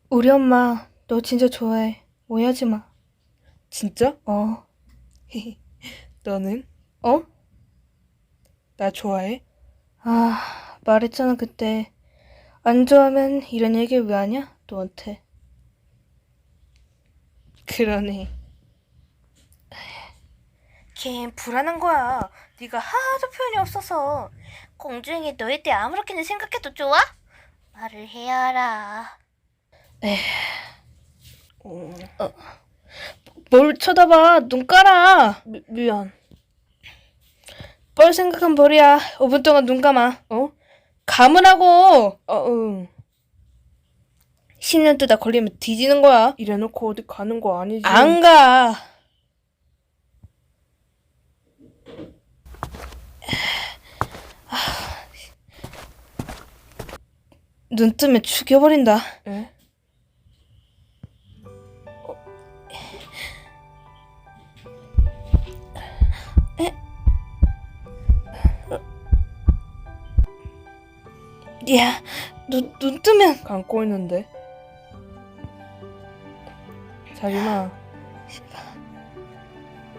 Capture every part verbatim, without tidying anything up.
우리 엄마 너 진짜 좋아해. 오해하지 마. 진짜? 어. 너는? 어? 나 좋아해? 아, 말했잖아 그때. 안 좋아하면 이런 얘기를 왜 하냐? 너한테. 그러네. 걔 불안한 거야. 네가 하도 표현이 없어서. 공주행이 너에 대해 아무렇게나 생각해도 좋아? 말을 해야 알아. 어, 뭘 쳐다봐. 눈 깔아. 미, 미안. 뻘 생각한 벌이야. 오 분 동안 눈 감아. 어? 감으라고. 어, 응. 십 년 뜨다 걸리면 뒤지는 거야. 이래놓고 어디 가는 거 아니지? 안 가. 눈 뜨면 죽여버린다. 에? 야, 눈, 눈 뜨면. 감고 있는데. 자림아.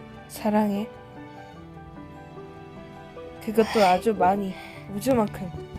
사랑해. 그것도 아주 많이. 우주만큼.